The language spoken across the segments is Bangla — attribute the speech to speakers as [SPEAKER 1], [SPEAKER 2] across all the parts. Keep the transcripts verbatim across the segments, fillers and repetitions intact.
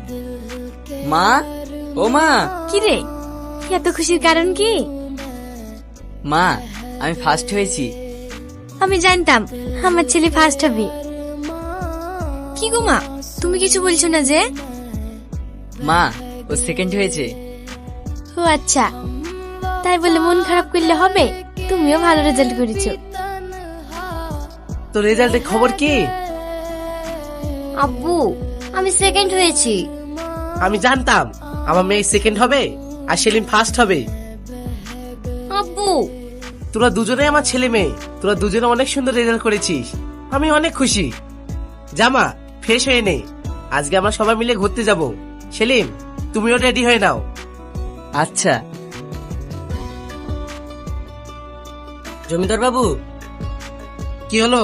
[SPEAKER 1] মা, ও মা।
[SPEAKER 2] কি রে, এত খুশির কারণ কি?
[SPEAKER 1] মা, আমি ফার্স্ট হয়েছি।
[SPEAKER 2] আমি জানতাম আমার ছেলে ফার্স্ট হবে। কি গো মা, তুমি কিছু বলছো না যে?
[SPEAKER 1] মা, ও সেকেন্ড হয়েছে।
[SPEAKER 2] ও আচ্ছা, তাই বলে মন খারাপ করলে হবে? তুমিও ভালো রেজাল্ট করেছো।
[SPEAKER 3] তো রেজাল্টের খবর কি?
[SPEAKER 2] আব্বু, আমি সেকেন্ড হয়েছি।
[SPEAKER 3] আমি জানতাম আমার মেয়ে সেকেন্ড হবে আর সেলিম ফার্স্ট হবে।
[SPEAKER 2] আব্বু,
[SPEAKER 3] তোরা দুজনে আমার ছেলে মেয়ে, তোরা দুজনে অনেক সুন্দর রেজাল্ট করেছিস। আমি অনেক খুশি। জামা ফ্রেশ হয়ে নে, আজকে আমরা সবাই মিলে ঘুরতে যাব। সেলিম, তুমিও রেডি হয়ে নাও।
[SPEAKER 1] আচ্ছা।
[SPEAKER 3] জমিদার বাবু, কি হলো?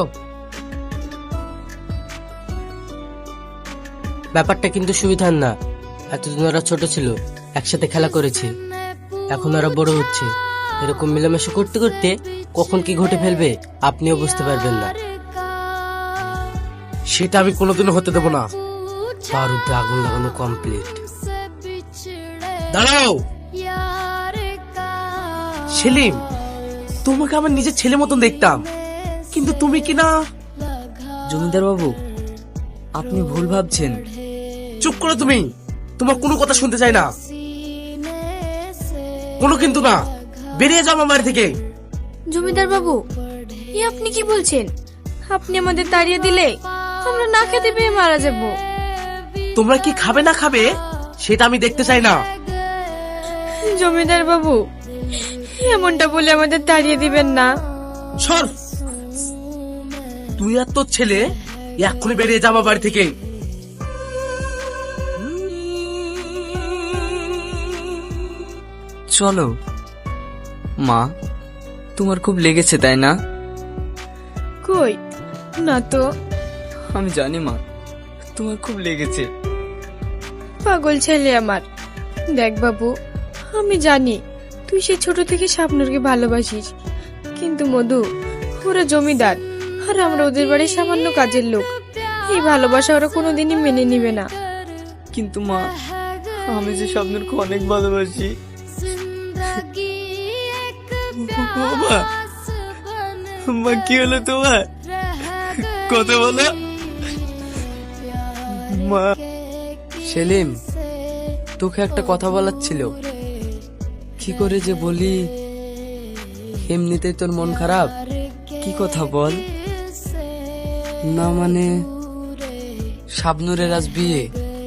[SPEAKER 3] ব্যাপারটা কিন্তু সুবিধার না। এতদিন ওরা ছোট ছিল, একসাথে খেলা করেছে, এখন ওরা বড় হচ্ছে। এরকম মিলেমিশে করতে করতে কখন কি ঘটে ফেলবে আপনিও বুঝতে পারবেন না। সেটা আমি কোনোদিনও হতে দেব না। বারুদে আগুন লাগানো কমপ্লিট। দাঁড়াও সেলিম, তোমাকে আমার নিজের ছেলে মতন দেখতাম, কিন্তু তুমি কি না।
[SPEAKER 1] জমিদার বাবু, আপনি ভুল ভাবছেন।
[SPEAKER 3] চুপ করো তুমি, তোমার কোনো কথা শুনতে চাই না। কোনো কিন্তু না, বেরিয়ে যাও আমার বাড়ি থেকে।
[SPEAKER 2] জমিদার বাবু, এ আপনি কি বলছেন? আপনি আমাদের তাড়িয়ে দিলে আমরা না খেতে পেয়ে মারা যাব।
[SPEAKER 3] তোমরা কি খাবে না খাবে সেটা আমি দেখতে চাই না।
[SPEAKER 2] জমিদার বাবু, এমনটা বলে আমাদের তাড়িয়ে দিবেন না।
[SPEAKER 3] সর, তুই আর তোর ছেলে এক্ষুনি বেরিয়ে যা আমার বাড়ি থেকে।
[SPEAKER 1] চলো। মা, তোমার খুব লেগেছে তাই না?
[SPEAKER 2] কই না তো।
[SPEAKER 1] আমি জানি মা, তোমার খুব লেগেছে।
[SPEAKER 2] পাগল ছেলে আমার। দেখ বাবু, আমি জানি তুই সে ছোট থেকে স্বপ্নকে ভালোবাসিস, কিন্তু মধু, ওরা জমিদার আর আমরা ওদের বাড়ির সামান্য কাজের লোক। এই ভালোবাসা ওরা কোনোদিনই মেনে নিবে না।
[SPEAKER 1] কিন্তু মা, আমি যে স্বপ্নকে অনেক ভালোবাসি। মা, মা কি হলো তোমার? কথা বলো মা। সেলিম, তোকে একটা কথা বলার ছিল। কি করে যে বলি, এমনিতেই তোর মন খারাপ। কি কথা বল না। মানে শাবনুরের আজ বিয়ে।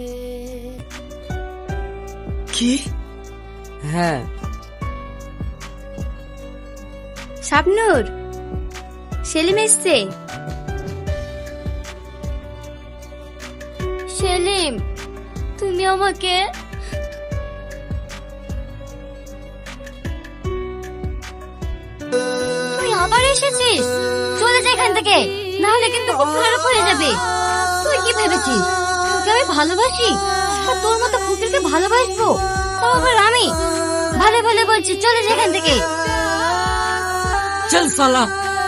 [SPEAKER 1] কি? হ্যাঁ।
[SPEAKER 2] শাবনুর, সেলিম এসছে। সেলিম, তুমি আমাকে তুই আবার এসেছিস? চলে যা এখান থেকে, নাহলে কিন্তু খুব খারাপ হয়ে যাবে। তুই কি ভেবেছিস তোকে আমি ভালোবাসি আর তোর মতো কুকুরকে ভালোবাসবো? তাও আবার আমি? ভালো ভালো বলছি, চলে যা এখান থেকে।
[SPEAKER 1] চল সালা।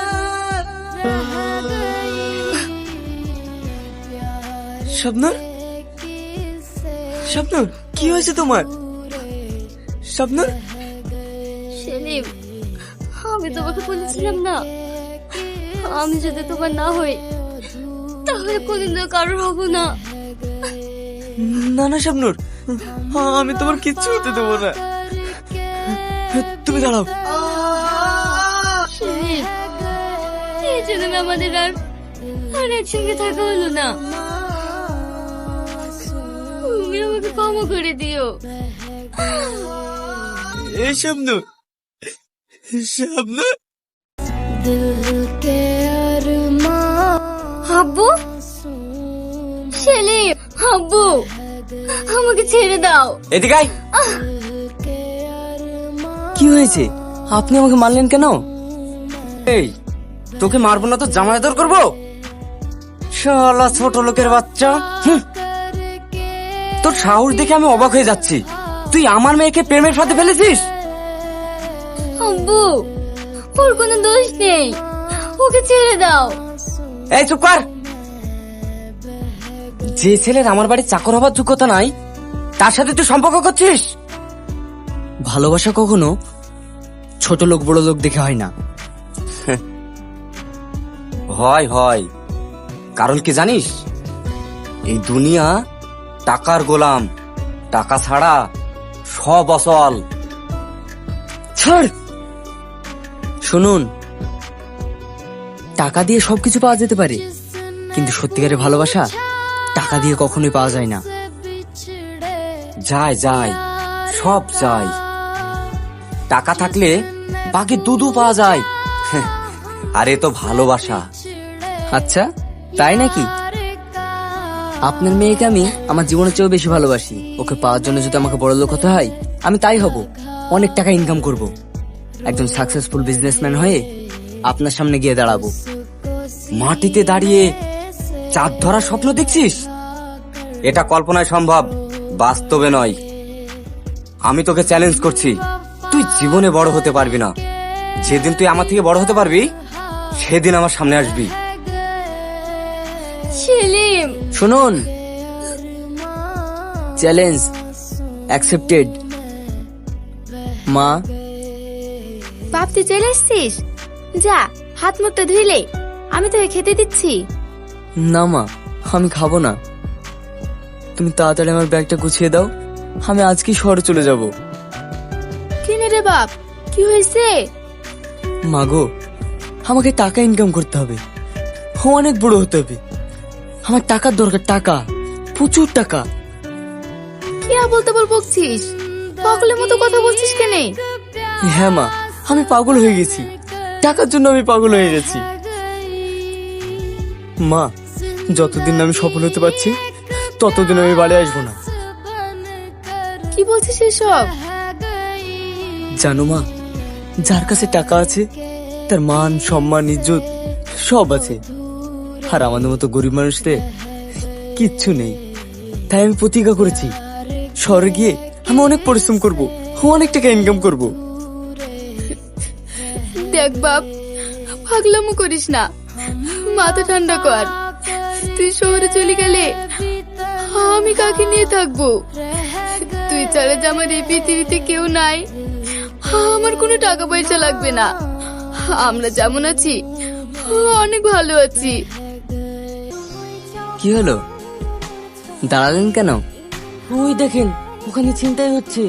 [SPEAKER 1] স্বপ্নর, স্বপ্নর কি হয়েছে তোমার? স্বপ্নর।
[SPEAKER 2] সেলিম, আমি তোমাকে বলেছিলাম না, আমি যদি তোমার না হই তাহলে কোনদিন কারোর হব না।
[SPEAKER 1] না না স্বপ্নর, আমি তোমার কিচ্ছু হতে দেবো না। তুমি দাঁড়াও।
[SPEAKER 2] সেলিম, এই জন্য আমাদের আর আর একসঙ্গে থাকা হলো না। তুমি আমাকে ক্ষমা করে দিও।
[SPEAKER 1] এই স্বপ্নর, স্বপ্নর।
[SPEAKER 2] আব্বু, সেলিম, আব্বু, আমাকে ছেড়ে দাও।
[SPEAKER 1] এদিকে আয়। কি হয়েছে? আপনি আমাকে মারলেন কেন? এই, তোকে মারবো না তো জামাই আদর করবো? শালা ছোট লোকের বাচ্চা। হুঁ। তোর সাহস দেখে আমি অবাক হয়ে যাচ্ছি। তুই আমার মেয়েকে প্রেমের ফাঁদে ফেলেছিস?
[SPEAKER 2] আব্বু, ওর কোনো দোষ নেই, ওকে ছেড়ে দাও।
[SPEAKER 1] এই চুপ কর। যে ছেলের আমার বাড়ি চাকর হবার যোগ্যতা নাই তার সাথে তুই সম্পর্ক করছিস? ভালোবাসা কখনো ছোট লোক বড় লোক দেখে হয় না। হয় হয়, কারণ কি জানিস? এই দুনিয়া টাকার গোলাম, টাকা ছাড়া সব অচল। ছাড়। শুনুন, টাকা দিয়ে সবকিছু পাওয়া যেতে পারে, কিন্তু সত্যিকারের ভালোবাসা টাকা দিয়ে কখনোই পাওয়া যায় না। যায় যায়, সব যায়। টাকা থাকলে বাকি দুধু পাওয়া যায়। আর এ তো ভালোবাসা। আচ্ছা, তাই নাকি? আপনার মেয়েকে আমি আমার জীবনের চেয়েও বেশি ভালোবাসি। ওকে পাওয়ার জন্য যদি আমাকে বড় লোক হতে হয়, আমি তাই হব। অনেক টাকা ইনকাম করব, একজন সাকসেসফুল বিজনেসম্যান হয়ে আপনার সামনে গিয়ে দাঁড়াবো। মাটিতে দাঁড়িয়ে চাঁদ ধরার স্বপ্ন দেখছিস? এটা কল্পনায় সম্ভব, বাস্তবে নয়। আমি তোকে চ্যালেঞ্জ করছি, তুই জীবনে বড় হতে পারবি না। যেদিন তুই আমার থেকে বড় হতে পারবি, সেদিন আমার সামনে আসবি।
[SPEAKER 2] সেলিম,
[SPEAKER 1] শুনুন, চ্যালেঞ্জ অ্যাকসেপ্টেড। মা,
[SPEAKER 4] বাপ তুই চলে এসছিস? যা হাত মুখটা ধুইলে, আমি তোকে খেতে দিচ্ছি।
[SPEAKER 1] না মা, আমি খাবো না। তুমি তাড়াতাড়ি আমার ব্যাগটা গুছিয়ে দাও, আমি আজকেই শহরে চলে যাব।
[SPEAKER 4] কিনে রে বাপ, কি হয়েছে?
[SPEAKER 1] মাগো, আমাকে টাকা ইনকাম করতে হবে, অনেক বড় হতে হবে। আমার টাকার দরকার, টাকা, প্রচুর টাকা।
[SPEAKER 4] কি আবল তাবল বকছিস? পাগলের মতো কথা বলছিস কেনে?
[SPEAKER 1] হ্যাঁ মা, আমি পাগল হয়ে গেছি, টাকার জন্য আমি পাগল হয়ে গেছি। মা, যতদিন না আমি সফল হতে পারছি ততদিন আমি বাড়ি আসবো না।
[SPEAKER 4] কি বলছিস এসব?
[SPEAKER 1] জানো মা, যার কাছে টাকা আছে তার মান সম্মান ইজ্জত সব আছে, আর আমাদের মতো গরিব মানুষদের কিচ্ছু নেই। তাই আমি প্রতিজ্ঞা করেছি, শহরে গিয়ে আমি অনেক পরিশ্রম করব, অনেক টাকা ইনকাম করব।
[SPEAKER 4] দেখ বাপ, পাগলামো করিস না, মাথা ঠান্ডা কর। তুই শহরে চলে গেলে আমি কাকে নিয়ে থাকবো? তুই ছাড়া যে আমার এই পৃথিবীতে কেউ নাই। আমার কোনো টাকা পয়সা লাগবে না, আমরা যেমন আছি অনেক ভালো আছি।
[SPEAKER 1] কি হলো, দাঁড়ালেন কেন? ওই দেখেন, ওখানে চিন্তাই হচ্ছে।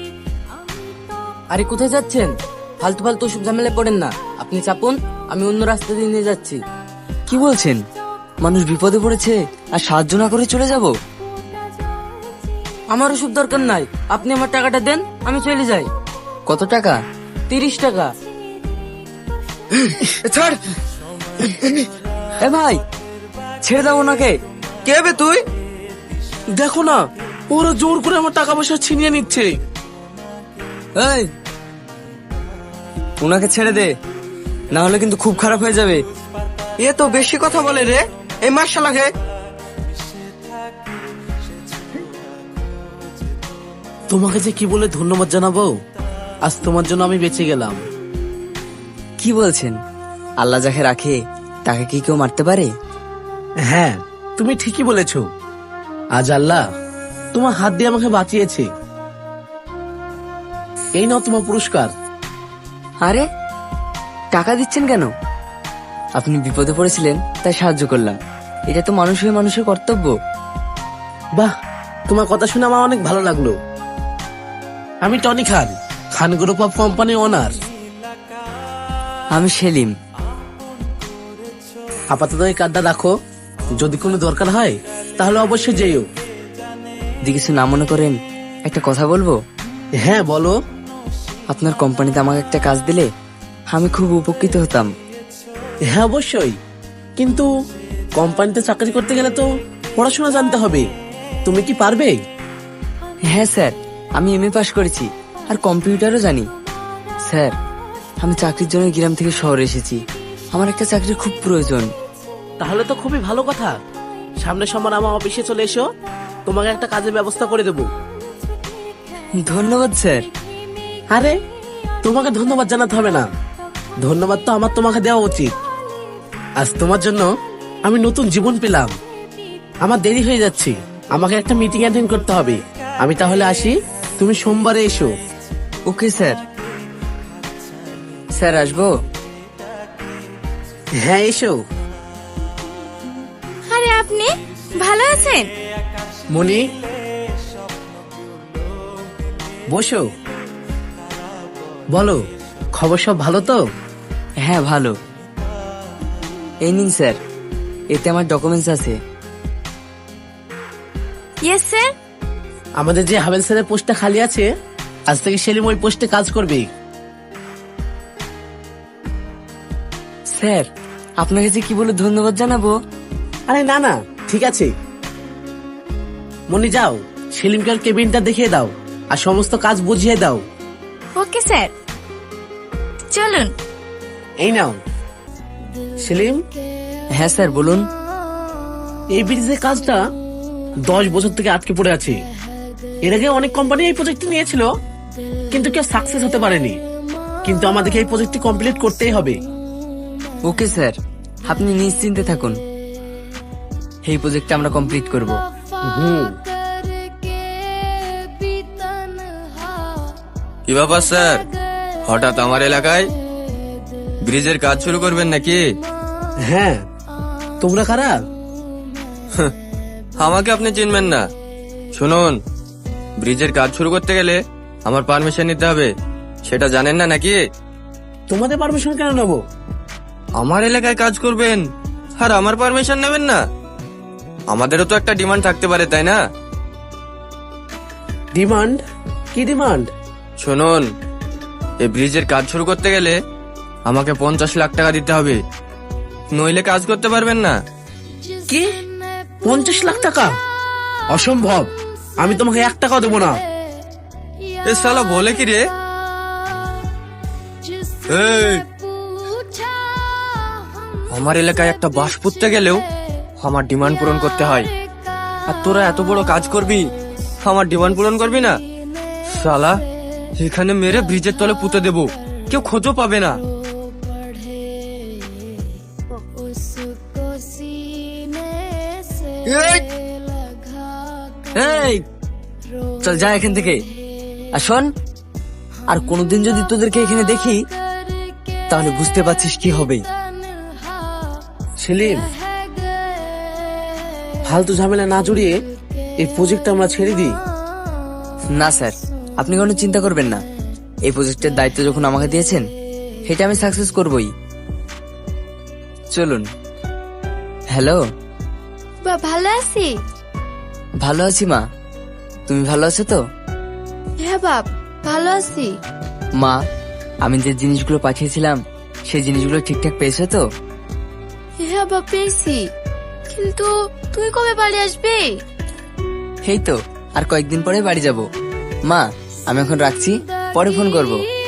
[SPEAKER 1] আরে কোথায় যাচ্ছেন? ফালতু ফালতু সব ঝামেলায় পড়েন না, আপনি চাপুন, আমি অন্য রাস্তা দিয়ে নিয়ে যাচ্ছি। কি বলছেন? মানুষ বিপদে পড়েছে আর সাহায্য না করে চলে যাব? আমার ওসব দরকার নাই, আপনি আমার টাকাটা দেন, আমি চলে যাই। কত টাকা? তিরিশ টাকা। ছাড়। এ ভাই, ছেড়ে দাও ওনাকে। কে বে তুই?
[SPEAKER 3] দেখো না, ওরা জোর করে আমার টাকা পয়সা ছিনিয়ে নিচ্ছে।
[SPEAKER 1] এই, ওনাকে ছেড়ে দে, না হলে কিন্তু খুব খারাপ হয়ে যাবে। এ তো বেশি কথা বলে রে, এই মার্শালাকে।
[SPEAKER 3] তোমাকে যে কি বলে ধন্যবাদ জানাবো, আজ তোমার জন্য আমি বেঁচে গেলাম।
[SPEAKER 1] কি বলছেন? আল্লাহ যাকে রাখে তাকে কি কেউ মারতে পারে?
[SPEAKER 3] হ্যাঁ, তুমি ঠিকই বলেছো। আজ আল্লাহ তোমার হাত দিয়ে আমাকে বাঁচিয়েছে। এই নাও তোমার পুরস্কার।
[SPEAKER 1] আরে, টাকা দিচ্ছেন কেন? আপনি বিপদে পড়েছিলেন তাই সাহায্য করলাম, এটা তো মানুষ হয়ে মানুষের কর্তব্য।
[SPEAKER 3] বাহ, তোমার কথা শুনে আমার অনেক ভালো লাগলো। আমি Tony Khan, Khan group of company owner.
[SPEAKER 1] আমি সেলিম।
[SPEAKER 3] আপাতত এই কার্ডটা রাখো, যদি কোনো দরকার হয় তাহলে অবশ্যই যেও।
[SPEAKER 1] যদি কিছু না মনে করেন একটা কথা বলবো?
[SPEAKER 3] হ্যাঁ বলো।
[SPEAKER 1] আপনার কোম্পানিতে আমাকে একটা কাজ দিলে আমি খুব উপকৃত হতাম।
[SPEAKER 3] হ্যাঁ অবশ্যই, কিন্তু কোম্পানিতে চাকরি করতে গেলে তো পড়াশোনা জানতে হবে। তুমি কি পারবে?
[SPEAKER 1] হ্যাঁ স্যার, আমি এম এ পাস করেছি আর কম্পিউটারও জানি। স্যার, আমি চাকরির জন্য গ্রাম থেকে শহরে এসেছি, আমার একটা চাকরির খুব প্রয়োজন।
[SPEAKER 3] তাহলে তো খুবই ভালো কথা। সামনের সময় আমার অফিসে চলে এসো, তোমাকে একটা কাজের ব্যবস্থা করে দেবো।
[SPEAKER 1] ধন্যবাদ স্যার।
[SPEAKER 3] আরে, তোমাকে ধন্যবাদ জানাতে হবে না, ধন্যবাদ তো আমার তোমাকে দেওয়া উচিত। আজ তোমার জন্য আমি নতুন জীবন পেলাম। আমার দেরি হয়ে যাচ্ছে, আমাকে একটা মিটিং অ্যাটেন্ড করতে হবে। আমি তাহলে আসি, তুমি সোমবারে এসো।
[SPEAKER 1] Okay sir. স্যার আসবো?
[SPEAKER 3] হ্যাঁ এসো।
[SPEAKER 2] আরে আপনি ভালো আছেন?
[SPEAKER 3] মনি, বসো। বলো, খবর সব ভালো তো?
[SPEAKER 1] হ্যাঁ ভালো। এই নিন স্যার, এতে আমার ডকুমেন্টস আছে।
[SPEAKER 2] Yes sir.
[SPEAKER 3] আমাদের যে হাবেল স্যারের পোস্টটা খালি আছে, আজ থেকে সেলিম ওই পোস্টে কাজ করবে।
[SPEAKER 1] স্যার আপনাকে যে কি বলে ধন্যবাদ জানাবো।
[SPEAKER 3] আরে না না, ঠিক আছে। মনি যাও, সেলিমকে ওর কেবিনটা দেখিয়ে দাও আর সমস্ত কাজ বুঝিয়ে দাও।
[SPEAKER 2] ওকে স্যার, চলুন।
[SPEAKER 3] এই নাও সেলিম,
[SPEAKER 1] হ্যাঁ স্যার বলুন।
[SPEAKER 3] এই ব্রিজের কাজটা দশ বছর থেকে আটকে পড়ে আছে। এর আগে অনেক কোম্পানি এই প্রজেক্টটি নিয়েছিল, কিন্তু কেউ সাকসেস হতে পারেনি। কিন্তু আমাদেরকে এই প্রজেক্টটি কমপ্লিট করতেই হবে।
[SPEAKER 1] ওকে স্যার, আপনি নিশ্চিন্তে থাকুন, এই প্রজেক্টটা আমরা কমপ্লিট করব।
[SPEAKER 3] হুম।
[SPEAKER 5] কি ব্যাপার স্যার, হঠাৎ আমার এলাকায় ব্রিজের কাজ শুরু করবেন নাকি?
[SPEAKER 3] হ্যাঁ, তোমরা কারা?
[SPEAKER 5] আমাকে আপনি চিনবেন না। শুনুন, ব্রিজের কাজ শুরু করতে গেলে আমার পারমিশন নিতে হবে, সেটা জানেন না নাকি?
[SPEAKER 3] তোমাদের পারমিশন কেন নেবো?
[SPEAKER 5] আমার এলাকায় কাজ করবেন আর আমার পারমিশন নেবেন না? আমাদেরও তো একটা ডিমান্ড থাকতে পারে, তাই না?
[SPEAKER 3] ডিমান্ড? কি ডিমান্ড?
[SPEAKER 5] শুনুন, এই ব্রিজের কাজ শুরু করতে গেলে আমাকে পঞ্চাশ লাখ টাকা দিতে হবে, নইলে কাজ করতে পারবেন না।
[SPEAKER 3] কি পঞ্চাশ লাখ টাকা? অসম্ভব, আমি তোমাকে এক টাকাও দেবো না।
[SPEAKER 5] এ শালা বলে কি রে? এই, আমার এলাকায় একটা বাস পুঁততে গেলেও আমার ডিমান্ড পূরণ করতে হয়, আর তোরা এত বড় কাজ করবি, আমার ডিমান্ড পূরণ করবি না? শালা এখানে মেরে ব্রিজের তলে পুঁতে দেবো, কেউ খোঁজও পাবে না।
[SPEAKER 1] এই চল যা এখান থেকে। আর শোন, আর কোনোদিন যদি তোদেরকে এখানে দেখি তাহলে বুঝতে পারছিস কি হবে।
[SPEAKER 3] সেলিম, ফালতু ঝামেলা না জড়িয়ে এই প্রজেক্ট আমরা ছেড়ে দিই।
[SPEAKER 1] না স্যার, আপনি কোনো চিন্তা করবেন না, এই প্রজেক্টের দায়িত্ব যখন আমাকে দিয়েছেন সেটা আমি সাকসেস করবই। চলুন। হ্যালো।
[SPEAKER 4] বা ভালো আছি।
[SPEAKER 1] ভালো আছি মা, তুমি ভালো আছো তো?
[SPEAKER 4] হ্যাঁ বাপ, ভালো আছি।
[SPEAKER 1] মা, আমি যে জিনিসগুলো পাঠিয়েছিলাম সেই জিনিসগুলো ঠিকঠাক পেয়েছো তো?
[SPEAKER 4] হ্যাঁ বাপ, পেয়েছি। কিন্তু তুই কবে বাড়ি আসবি?
[SPEAKER 1] এই তো আর কয়েকদিন পরে বাড়ি যাব। মা, আমি এখন রাখছি, পরে ফোন করব।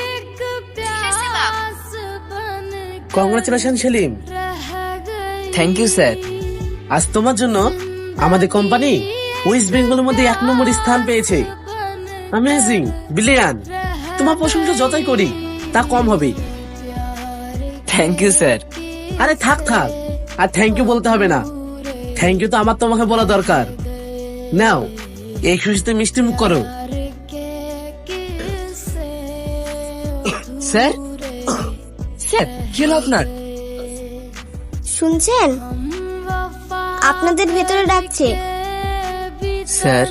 [SPEAKER 3] Congratulation Selim.
[SPEAKER 1] Thank you sir.
[SPEAKER 3] আজ তোমার জন্য আমাদের কোম্পানি ওয়েস্ট বেঙ্গলের মধ্যে এক নম্বর স্থান পেয়েছে। Amazing, brilliant. তোমার প্রশংসা যতই করি তা কম হবে।
[SPEAKER 1] Thank you sir.
[SPEAKER 3] আরে থাক থাক, আর থ্যাংক ইউ বলতে হবে না। থ্যাংক ইউ তো আমার তোমাকে বলা দরকার। নাও, এই খুশিতে মিষ্টি মুখ করো।
[SPEAKER 1] স্যার, স্যার কি হলো আপনার?
[SPEAKER 6] শুনছেন? আপনাদের ভেতরে ডাকছে।
[SPEAKER 1] স্যার,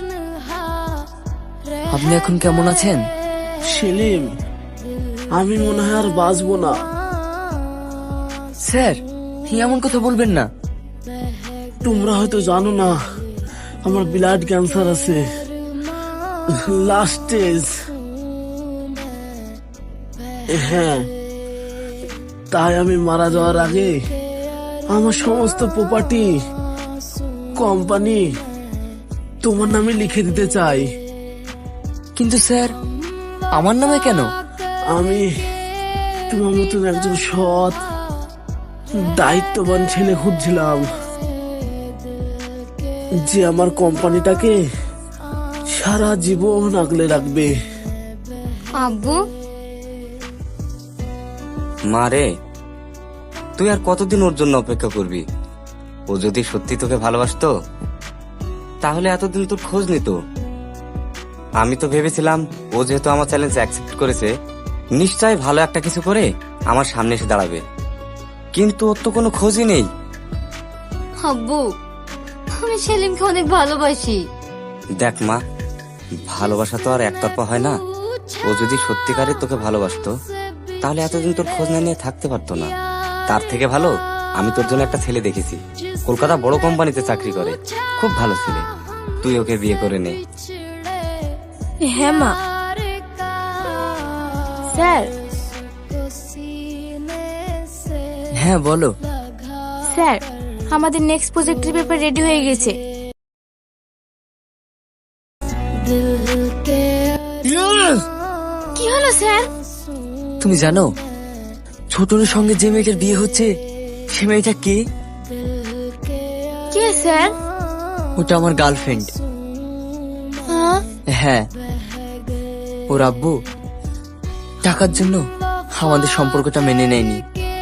[SPEAKER 1] আপনি এখন কেমন আছেন?
[SPEAKER 3] সেলিম, আমি মনে হয় আর বাঁচবো না।
[SPEAKER 1] স্যার, এমন কথা বলবেন না।
[SPEAKER 3] তোমরা হয়তো জানো না, আমার ব্লাড ক্যান্সার আছে, লাস্ট স্টেজ। হ্যাঁ, তাই আমি মারা যাওয়ার আগে আমার সমস্ত প্রপার্টি, কোম্পানি তোমার নামে লিখে দিতে চাই।
[SPEAKER 1] কিন্তু স্যার, আমার নামে কেন?
[SPEAKER 3] আমি তোমার মতন একজন সৎ, দায়িত্ববান ছেলে খুঁজছিলাম, যে আমার কোম্পানিটাকে সারা জীবন আগলে রাখবে।
[SPEAKER 4] আব্বু,
[SPEAKER 7] মা রে, তুই আর কতদিন ওর জন্য অপেক্ষা করবি? ও যদি সত্যি তোকে ভালোবাসতো
[SPEAKER 1] তাহলে এতদিন তোর খোঁজ নিত। আমি তো ভেবেছিলাম ও যেহেতু আমার চ্যালেঞ্জ অ্যাকসেপ্ট করেছে, নিশ্চয়ই ভালো একটা কিছু করে আমার সামনে এসে দাঁড়াবে, কিন্তু ওর তো কোনো খোঁজই নেই।
[SPEAKER 7] আব্বু, আমি সেলিমকে অনেক ভালোবাসি।
[SPEAKER 1] দেখ মা, ভালোবাসা তো আর একতরফা হয় না। ও যদি সত্যিকারের তোকে ভালোবাসতো তাহলে এতদিন তোর খোঁজ না নিয়ে থাকতে পারতো না। তার থেকে ভালো আমি তোর জন্য একটা ছেলে দেখেছি, কলকাতা বড় কোম্পানিতে চাকরি করে, খুব ভালো ছেলে। তুই ওকে বিয়ে করে নে।
[SPEAKER 2] হ্যাঁ মা। স্যার।
[SPEAKER 5] হ্যাঁ বলো।
[SPEAKER 2] স্যার, আমাদের নেক্সট প্রজেক্টের পেপার রেডি হয়ে গেছে। কি হলো স্যার?
[SPEAKER 5] তুমি জানো ছোটর সঙ্গে যে মেয়েটার বিয়ে হচ্ছে সে মেয়েটা কে?
[SPEAKER 2] কে স্যার?
[SPEAKER 5] ওটা আমার গার্লফ্রেন্ড।
[SPEAKER 2] হ্যাঁ?
[SPEAKER 5] হ্যাঁ, ওর আব্বু টাকার জন্য আমাদের সম্পর্কটা মেনে নেয়নি।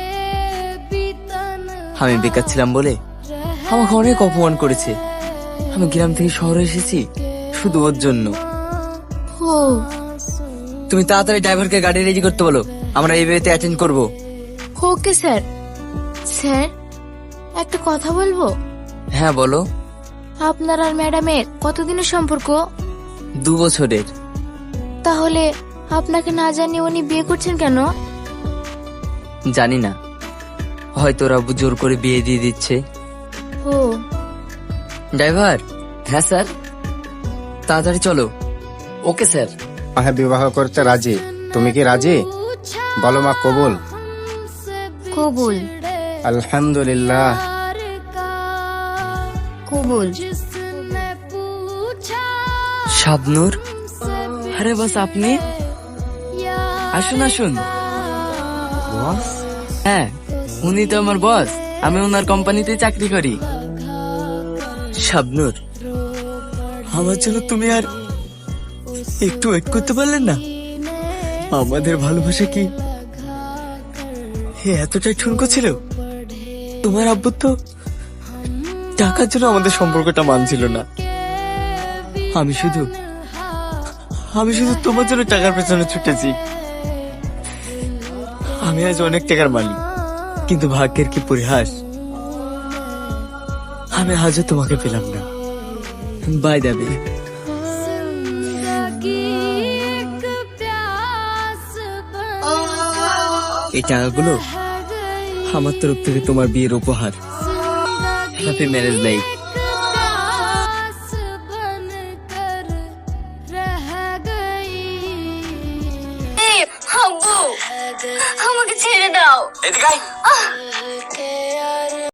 [SPEAKER 5] আমি বেকার ছিলাম বলে আমাকে অনেক অপমান করেছে। আমি গ্রাম থেকে শহরে এসেছি শুধু ওর জন্য।
[SPEAKER 2] ও,
[SPEAKER 5] তুমি তাড়াতাড়ি ড্রাইভারকে গাড়ি রেডি করতে বলো, আমরা এই বিয়েতে অ্যাটেন্ড করব।
[SPEAKER 2] Okay sir. স্যার, একটা কথা বলবো?
[SPEAKER 5] হ্যাঁ বলো।
[SPEAKER 2] আপনার আর ম্যাডামের কতদিনের সম্পর্ক?
[SPEAKER 5] দু বছরের।
[SPEAKER 2] তাহলে আপনাকে না জানিয়ে উনি বিয়ে করছেন কেন?
[SPEAKER 5] জানি না, হয়তো ওর আব্বু জোর করে বিয়ে দিয়ে দিচ্ছে।
[SPEAKER 2] ও,
[SPEAKER 5] ড্রাইভার। হ্যাঁ স্যার, তাড়াতাড়ি চলো। Okay sir.
[SPEAKER 8] হ্যাঁ, বিবাহ করতে রাজি। তুমি কি রাজি? বলো মা, কবুল?
[SPEAKER 7] কবুল।
[SPEAKER 8] আলহামদুলিল্লাহ।
[SPEAKER 7] কবুল।
[SPEAKER 5] শাবনূর। আরে বাস আপনি? আসুন আসুন। বস? হ্যাঁ, উনি তো আমার বস। আমি ওনার কোম্পানিতে চাকরি করি। শাবনূর, আমার জন্য তুমি আর একটু ওয়েট করতে পারলেন না? আমাদের ভালোবাসা কি এতটাই ঠুনকো ছিল? তোমার আব্বু তো টাকার জন্য আমাদের সম্পর্কটা মানছিল না। আমি শুধু আমি শুধু তোমার জন্য টাকার পেছনে ছুটেছি। আমি আজ অনেক টাকার মালিক, কিন্তু ভাগ্যের কি পরিহাস, আমি আজও তোমাকে পেলাম না। বাই দেবে। এই টাকাগুলো আমার তরফ থেকে তোমার বিয়ের উপহার। Happy marriage life.
[SPEAKER 7] আব্বু, আমাকে ছেড়ে দাও।
[SPEAKER 5] এদিকে আয়।